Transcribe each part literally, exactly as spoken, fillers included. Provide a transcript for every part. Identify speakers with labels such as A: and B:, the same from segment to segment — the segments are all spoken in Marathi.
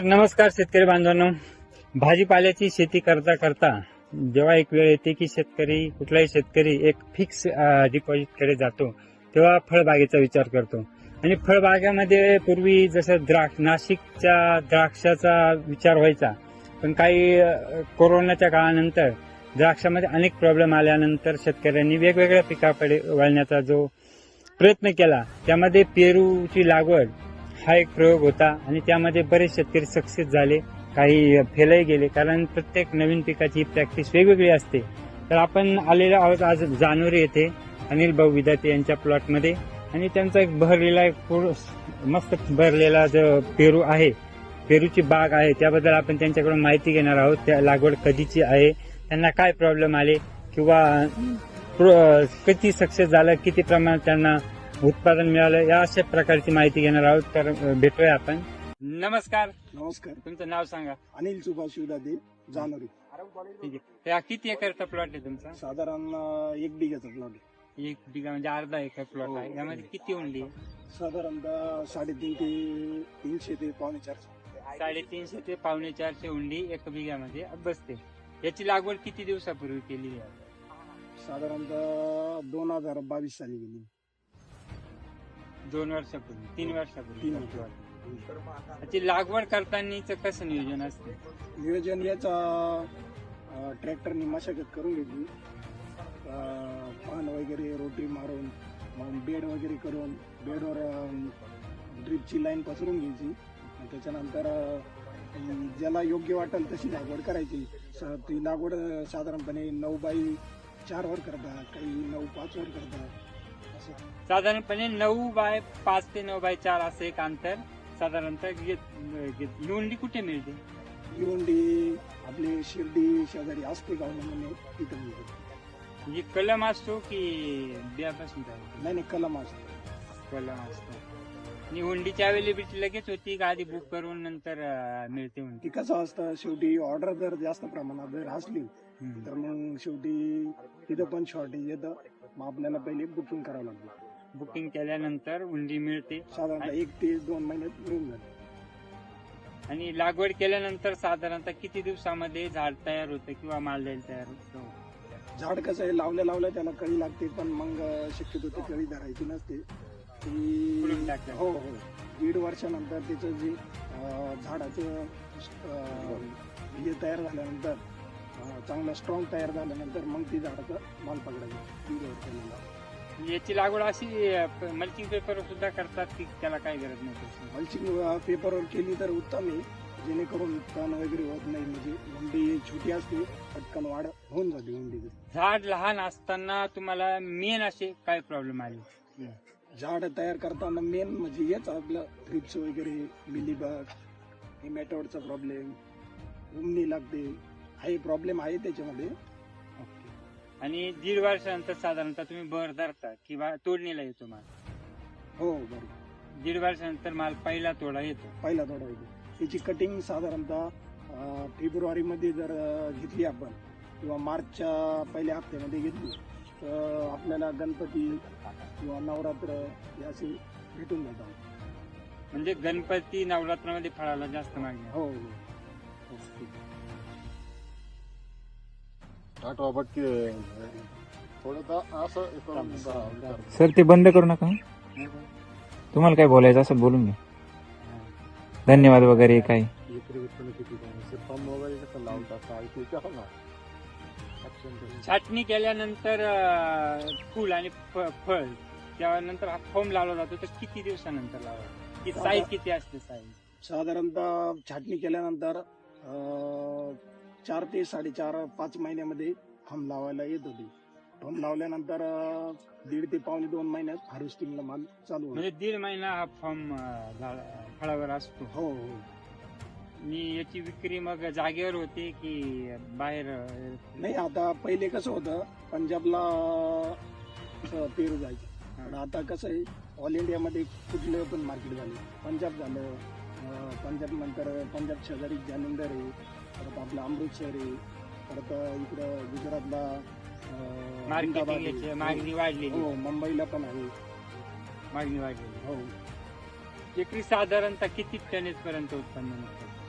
A: नमस्कार शेतकरी बांधवांनो, भाजीपाल्याची शेती करता करता जेव्हा एक वेळ येते की शेतकरी कुठलाही शेतकरी एक फिक्स डिपॉझिट कडे जातो तेव्हा फळबागेचा विचार करतो. आणि फळबागामध्ये पूर्वी जसं द्राक्ष नाशिकच्या द्राक्षाचा विचार व्हायचा, पण काही अ, कोरोनाच्या काळानंतर द्राक्षामध्ये अनेक प्रॉब्लेम आल्यानंतर शेतकऱ्यांनी वेगवेगळ्या पिकाकडे वळण्याचा जो प्रयत्न केला त्यामध्ये पेरूची लागवड हा एक प्रयोग होता. आणि त्यामध्ये बरेच शेतकरी सक्सेस झाले, काही फेलही गेले, कारण प्रत्येक नवीन पिकाची प्रॅक्टिस वेगवेगळी असते. तर आपण आलेलो आहोत आज जानोरी येथे अनिल भाऊ विदाते यांच्या प्लॉटमध्ये, आणि त्यांचा एक भरलेला एक पूर्ण मस्त भरलेला जो पेरू आहे, पेरूची बाग आहे, त्याबद्दल आपण त्यांच्याकडून माहिती घेणार आहोत. त्या लागवड कधीची आहे, त्यांना काय प्रॉब्लेम आले, किंवा प्रो- किती सक्सेस झालं, किती प्रमाणात त्यांना उत्पादन मिळालं, या अशा प्रकारची माहिती घेणार आहोत. तर अ, भेटूया आपण. नमस्कार,
B: नमस्कार.
A: तुमचं नाव सांगा.
B: अनिल सुभाष विदाते, जानोरी.
A: ठीक आहे. त्या किती एकरचा प्लॉट आहे तुमचा?
B: साधारण अं, एक बिघाचा प्लॉट आहे.
A: एक बिघा म्हणजे अर्धा एकर प्लॉट आहे.
B: हो.
A: यामध्ये किती उंडी?
B: साधारणतः साडेतीन ते तीनशे ते पावणे चारशे.
A: साडेतीनशे ते पावणे चारशे उंडी एक बिघ्यामध्ये बसते. याची लागवड किती दिवसापूर्वी केली आहे?
B: साधारणतः दोन हजार बावीस साली गेली.
A: दोन वर्षापूर्वी, तीन वर्षापूर्वी.
B: तीन वर्ष.
A: याची लागवड करतानाच कसं नियोजन असते?
B: नियोजन याचा अं, ट्रॅक्टरनी मशागत करून घेतली, अं, पान वगैरे रोटी मारून, मग बेड वगैरे करून बेडवर ड्रिपची लाईन पसरून घ्यायची. आणि त्याच्यानंतर अं, ज्याला योग्य वाटेल तशी लागवड करायची. स- ती लागवड अं, साधारणपणे नऊ बाय चार वर करतात, काही नऊ पाच वर करतात असं.
A: साधारणपणे नऊ बाय पाच ते नऊ बाय चार असं एक अंतर साधारणतः घेत- घेत- ही उंडी कुठे मिळते?
B: ही उंडी आपली शिर्डी शेजारी असते गाव म्हणून तिथं मिळते.
A: म्हणजे कलम असतो की बियापासून तयार होतो?
B: नाही नाही कलम असते.
A: कलम असतो. आणि हुंडीची अवेलेबिलिटी लगेच होती का आधी बुक करून नंतर अं, मिळते हुंडी?
B: ती कसं असतं, शेवटी ऑर्डर जर जास्त प्रमाणात जर असली
A: हम्म.
B: तर मग शेवटी तिथं पण शॉर्टेज येतं. मग आपल्याला पहिले बुकिंग करावं लागतं.
A: बुकिंग केल्यानंतर हुंडी मिळते.
B: साधारणतः एक ते दोन महिन्यात मिळून जाते.
A: आणि लागवड केल्यानंतर साधारणतः किती दिवसामध्ये झाड तयार होतं किंवा माल तयार होतो?
B: झाड कसं आहे, लावल्या लावल्या त्याला कळी लागते, पण मग शक्यतो ती कळी धरायची नसते.
A: फुलून
B: ती
A: टाकतात.
B: हो हो दीड वर्षानंतर त्याचं जे अं, झाडाचं अं, हे तयार झाल्यानंतर अं, चांगलं स्ट्रॉंग तयार झाल्यानंतर मग ती झाडाचा माल पकडायचा दीड वर्षानंतर.
A: याची लागवड अशी मल्चिंग पेपर सुद्धा करतात की त्याला काही गरज नाही?
B: मल्चिंग पेपरवर केली तर उत्तम आहे, जेणेकरून तण वगैरे होत नाही. म्हणजे हुंडी छोटी असते, पटकन वाढ होऊन जाते हुंडीची.
A: झाड लहान असताना तुम्हाला मेन असे काय प्रॉब्लेम आले?
B: झाड तयार करताना मेन म्हणजे हेच आपलं थ्रिप्स वगैरे, मिलीबग, हेमॅटोडचा प्रॉब्लेम, उमणी लागते, हे प्रॉब्लेम आहे त्याच्यामध्ये.
A: आणि दीड वर्षानंतर साधारणतः तुम्ही भर धरता किंवा तोडणीला येतो माल?
B: हो बरोबर.
A: दीड वर्षानंतर माल पहिला तोडा येतो.
B: पहिला थोडा होतो. त्याची कटिंग साधारणतः अं, फेब्रुवारीमध्ये जर अं, घेतली आपण किंवा मार्चच्या पहिल्या हप्त्यामध्ये घेतली तर आपल्याला गणपती किंवा नवरात्र हे असे भेटून जातात.
A: म्हणजे गणपती नवरात्रामध्ये फळाला जास्त मागणी आहे.
B: हो हो.
C: आठवा पटकी थोडं असं करून जरा
D: सर ते बंद करू नका. तुम्हाला काय बोलायचं असं बोलून घ्या. धन्यवाद वगैरे काय.
C: विक्री विक्री किती काय पंप वगैरे कसं लावून टाकता ऐकू का ना
A: छाटणी केल्यानंतर अं, फुल आणि फ- फळ त्यानंतर हा फोम लावला जातो, तर किती दिवसानंतर लावा? की साईज किती असते? साईज
B: साधारणतः छाटणी केल्यानंतर अं, चार ते साडेचार पाच महिन्यामध्ये फम लावायला येत होती. फम लावल्यानंतर अं, दीड ते पावणे दोन महिन्यात हार्वेस्टिंगला माल चालू होतो.
A: म्हणजे दीड महिना हा फॉर्म फळावर असतो.
B: हो हो.
A: आणि याची विक्री मग जागेवर होते की बाहेर? अं,
B: नाही, आता पहिले कसं होतं, पंजाबला अं, पेरू जायचं, पण आता कसं आहे, ऑल इंडियामध्ये कुठले पण मार्केट झाले. पंजाब झालं, अं, पंजाब नंतर पंजाब शेजारी जालंधर आहे, परत आपलं अमृतसर आहे, परत इकडं गुजरातला अं,
A: मार्केटिंग
B: अहमदाबाद
A: याची
B: आहे.
A: मागणी वाढलेली.
B: हो, मुंबईला पण आहे.
A: मागणी वाढलेली.
B: हो,
A: एकरी साधारणतः किती टनेज पर्यंत उत्पन्न निघतं?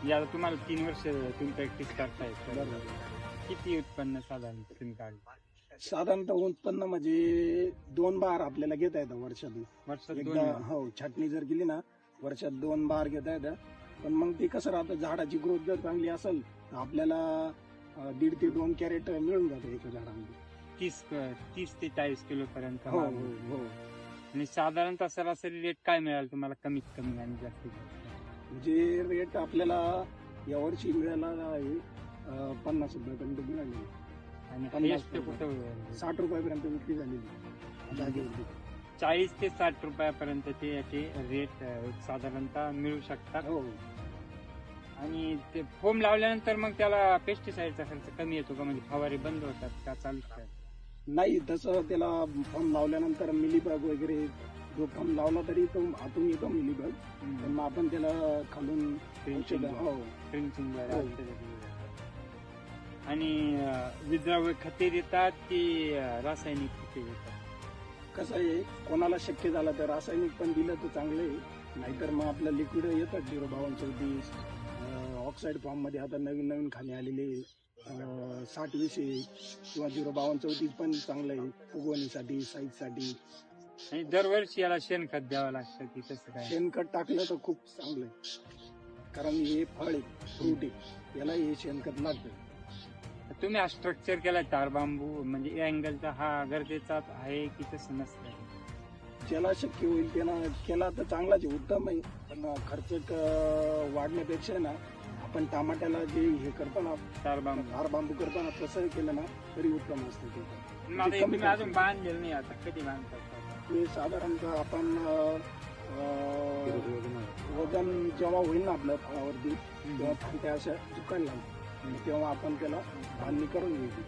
A: म्हणजे आता तुम्हाला तीन वर्ष तुम्ही प्रॅक्टिस करताय तर
B: बरोबर.
A: किती उत्पन्न साधारण तुम्ही काढलं
B: साधारणतः उत्पन्न म्हणजे दोन बार आपल्याला घेता येतं वर्षातून.
A: वर्षात दोन
B: एकदा
A: वेळा?
B: हो छाटणी जर केली ना वर्षात दोन बार घेता येतं. पण मग ते कसं राहतं झाडाची ग्रोथ जर चांगली असेल तर आपल्याला अं, दीड ते दोन कॅरेट मिळून जातं एका झाडामध्ये.
A: तीस तीस ते चाळीस किलो पर्यंत
B: हो
A: माल.
B: हो हो
A: आणि साधारणतः सरासरी रेट काय मिळाल तुम्हाला कमीत कमी आणि जास्तीत जास्त?
B: जे रेट आपल्याला यावर्षी मिळाला आहे अं, पन्नास रुपयापर्यंत मिळाले.
A: आणि
B: पन्नास
A: highest
B: रुपये.
A: कुठं
B: साठ रुपयापर्यंत विक्री झालेली जागेवरती.
A: चाळीस ते साठ रुपयापर्यंत ते याचे रेट साधारणतः मिळू शकतात.
B: हो
A: आणि ते फोम लावल्यानंतर मग त्याला पेस्टिसाइडचा खर्च कमी येतो का, म्हणजे फवारे बंद होतात का चालू काय?
B: नाही तसं त्याला फॉर्म लावल्यानंतर मिलीबग वगैरे जो फॉर्म लावला तरी तो आतून येतो मिलीबग. पण मग आपण त्याला खालून
A: Drenching.
B: औषधं- हो
A: ड्रिंचिंग
B: हो.
A: आणि अं, विद्राव्य खते देतात की अं, रासायनिक खते देतात?
B: कसं आहे कोणाला शक्य झालं तर रासायनिक पण दिलं तर चांगलं आहे. नाहीतर मग आपलं लिक्विड येतात झिरो बावन्न चौतीस ऑक्साईड फॉर्म मध्ये आता नवीन नवीन खाणे आलेले अं, साठ विषे किंवा झिरो बावन्न चौतीस पण चांगलं आहे उगवणीसाठी साईजसाठी.
A: आणि दरवर्षी याला शेणखत द्यावं लागतं की तसं काय?
B: शेणखत टाकलं तर खूप चांगलं आहे कारण हे फळ आहे फ्रूट आहे याला हे शेणखत लागतं.
A: तुम्ही हा स्ट्रक्चर केलाय तार बांबू म्हणजे अँगलचा हा गरजेचा आहे की तसं नसतं?
B: ज्याला शक्य होईल त्यानं केला तर चांगलाच आहे उत्तम आहे. पण खर्च क- वाढण्यापेक्षा ना आपण टमाट्याला जे हे करतो ना
A: तार बांबू
B: हार बांबू करताना तसं केलं ना तरी उत्तम असतं ते.
A: मग आता हे
B: कमी
A: तुम्ही अजून बांधलेलं नाही, आता कधी बांधतात?
B: ते साधारणतः आपण अं, वजन जेव्हा होईल ना आपल्या फळावरती तेव्हा फांट्या अशा दुकान लागतात तेव्हा आपण त्याला बांधणी करून घ्यायची.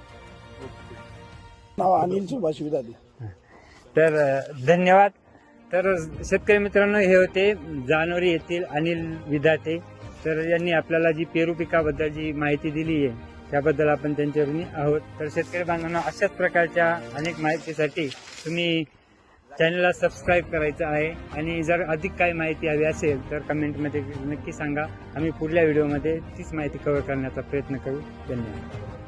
B: नाव अनिल सुभाष विदाते.
A: तर अं, धन्यवाद. तर शेतकरी मित्रांनो, हे होते जानोरी येथील अनिल विधाते. तर यांनी आपल्याला जी पेरू पिकाबद्दल जी माहिती दिली आहे त्याबद्दल आपण त्यांच्या ऋणी आहोत. तर शेतकरी बांधवांना अशाच प्रकारच्या अनेक माहितीसाठी तुम्ही चॅनलला सबस्क्राईब करायचं आहे. आणि जर अधिक काही माहिती हवी असेल तर कमेंटमध्ये नक्की सांगा. आम्ही पुढल्या व्हिडिओमध्ये तीच माहिती कव्हर करण्याचा प्रयत्न करू. धन्यवाद.